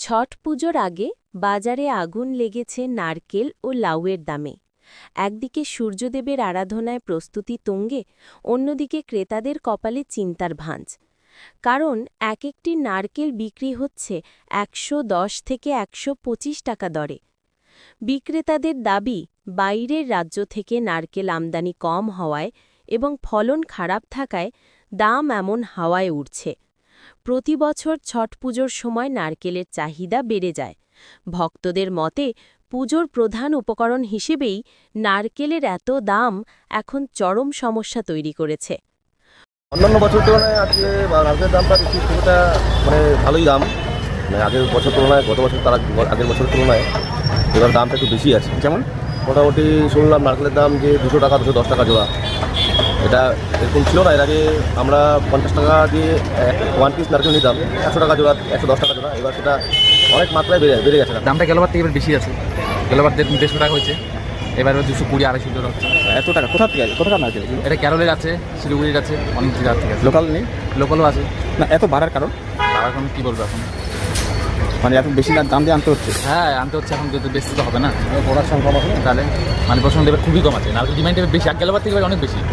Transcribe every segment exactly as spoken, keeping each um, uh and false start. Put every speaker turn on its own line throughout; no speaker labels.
ছট পুজোর আগে বাজারে আগুন লেগেছে নারকেল ও লাউয়ের দামে। একদিকে সূর্যদেবের আরাধনায় প্রস্তুতি তুঙ্গে, অন্যদিকে ক্রেতাদের কপালে চিন্তার ভাঁজ। কারণ এক একটি নারকেল বিক্রি হচ্ছে একশো দশ থেকে একশো পঁচিশ টাকা দরে। বিক্রেতাদের দাবি, বাইরের রাজ্য থেকে নারকেল আমদানি কম হওয়ায় এবং ফলন খারাপ থাকায় দাম এমন হাওয়ায় উঠছে। প্রতি বছর ছট পুজোর সময় নারকেলের চাহিদা বেড়ে যায়। ভক্তদের মতে পুজোর প্রধান উপকরণ হিসেবেই নারকেলের এত দাম এখন চরম সমস্যা তৈরি করেছে।
অন্যান্য বছর তুলনায় আজকে নারকেলের দামটা বেশি কিছুটা মানে ভালোই দাম, মানে আগের বছর তুলনায় গত বছর তার আগের বছরের তুলনায় এবার দামটা একটু বেশি আছে। যেমন মোটামুটি শুনলাম নারকেলের দাম যে দুশো টাকা দুশো দশ টাকা জোড়া, এটা এরকম ছিল না। এর আগে আমরা পঞ্চাশ টাকা দিয়ে ওয়ান পিস নারকেল নিতাম, একশো টাকা জোড়া একশো দশ টাকা জোড়া, এবার সেটা অনেক মাত্রায় বেড়ে বেড়ে গেছে।
দামটা গেলবার থেকে এবার বেশি আছে, গেলবার দেড়শো টাকা হয়েছে, এবার দুশো কুড়ি আড়াইশো টাকা হচ্ছে।
এত টাকা কোথা থেকে আছে? কোথাকার নারকেল?
এটা কেরলের আছে, শিলিগুড়ির আছে, অনেক জায়গার থেকে আছে।
লোকাল নেই?
লোকালও আছে
না, এত বাড়ার কারণ
আর এখন কী বলবো, এখন
মানে এত বেশি দাম দিয়ে আনতে হচ্ছে।
হ্যাঁ আনতে হচ্ছে, এখন যেহেতু বেশি তো হবে না,
প্রোডাকশন কম হবে,
তাহলে মানে প্রশ্ন এবার খুবই কম আছে, নারকেল ডিমান্ড এবার বেশি, আর গেলবার থেকে এবার অনেক বেশি।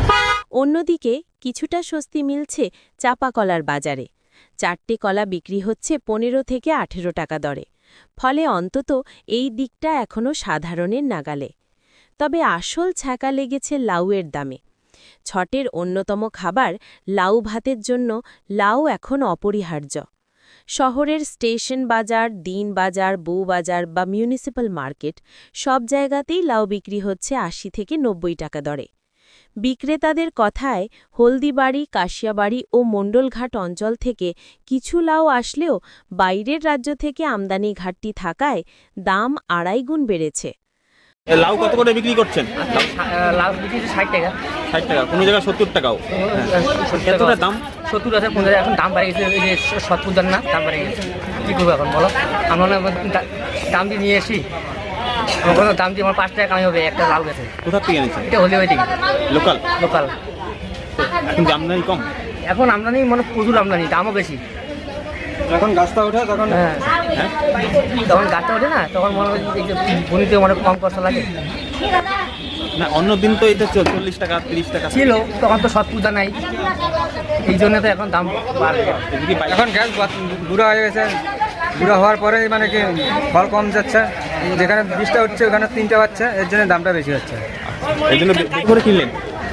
অন্যদিকে কিছুটা স্বস্তি মিলছে চাপা কলার বাজারে। চারটে কলা বিক্রি হচ্ছে পনেরো থেকে আঠেরো টাকা দরে। ফলে অন্তত এই দিকটা এখনও সাধারণের নাগালে। তবে আসল ছ্যাঁকা লেগেছে লাউয়ের দামে। ছটের অন্যতম খাবার লাউ ভাতের জন্য লাউ এখন অপরিহার্য। শহরের স্টেশন বাজার, দিন বাজার, বউ বাজার বা মিউনিসিপ্যাল মার্কেট সব জায়গাতেই লাউ বিক্রি হচ্ছে আশি থেকে নব্বই টাকা দরে। বিক্রেতাদের কথায় হলদিবাড়ি, কাশিয়াবাড়ি ও মণ্ডলঘাট অঞ্চল থেকে কিছু লাউ আসলেও বাইরের রাজ্য থেকে আমদানি ঘাটতি থাকায় দাম আড়াই গুণ বেড়েছে।
লাউ কত করে বিক্রি করছেন?
লাউ বিক্রি ষাট টাকা।
ষাট টাকা, কোনো জায়গায় সত্তর টাকাও। এতটা দাম?
সত্তর আছে, কোন জায়গায় এখন দাম বাড়ে গেছে, এই যে সত্তর দাম না, দাম বাড়ে গেছে। কী করবো এখন বলো? আমরা দাম দিয়ে নিয়ে এসি, আমার কোনো দাম দিয়ে আমার পাঁচ টাকা কামাই হবে একটা লাউ গেছে।
কোথা থেকে এনেছেন?
এটা হলে ওই থেকে
লোকাল।
লোকাল
এখন আমদানি কম?
এখন আমদানি মানে প্রচুর আমদানি, দামও বেশি।
যখন গাছটা ওঠে তখন
হ্যাঁ
হ্যাঁ
তখন গাছটা ওঠে না, তখন মনে হয় বনিতে অনেক কম কষ্ট লাগে।
না, অন্য দিন তো এটা চল্লিশ টাকা তিরিশ টাকা
ছিল, তখন তো সব পূজা নাই, এই জন্য তো এখন দাম বাড়বে।
এখন গ্যাস বুড়া হয়ে গেছে, বুড়া হওয়ার পরে মানে কি ফল কম যাচ্ছে, যেখানে বিশটা হচ্ছে ওখানে তিনটা পাচ্ছে, এর জন্য দামটা বেশি হচ্ছে।
এই জন্য বেশি করে কিনলেন?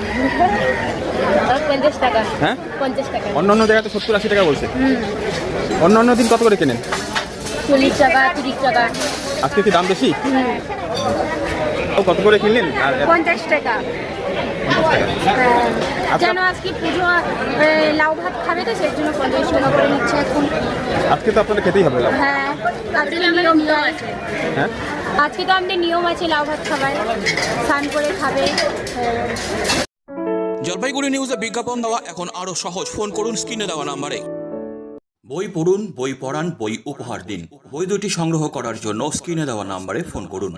পঞ্চাশ টাকা।
হ্যাঁ,
পঞ্চাশ টাকা।
অন্য অন্য জায়গায় তো সত্তর আশি টাকা বলছে। অন্য অন্য দিন কত করে কেনেন?
চল্লিশ টাকা, তিরিশ টাকা।
আজকে কি দাম বেশি? কত করে কিনলেন? আর
পঞ্চাশ টাকা। যেন আজকে পুজো লাউ ভাত খাবে তো, সেই জন্য পঞ্চাশ টাকা করে নিচ্ছে এখন।
আজকে তো আপনাদের খেতেই হবে লাউ।
হ্যাঁ, আজকে নিয়ম আছে।
হ্যাঁ,
আজকে তো আমাদের নিয়ম আছে লাউ ভাত খাবার, স্নান করে খাবে।
জলপাইগুড়ি নিউজে বিজ্ঞাপন দেওয়া এখন আরও সহজ। ফোন করুন স্ক্রিনে দেওয়া নাম্বারে। বই পড়ুন, বই পড়ান, বই উপহার দিন। বই দুটি সংগ্রহ করার জন্য স্ক্রিনে দেওয়া নাম্বারে ফোন করুন।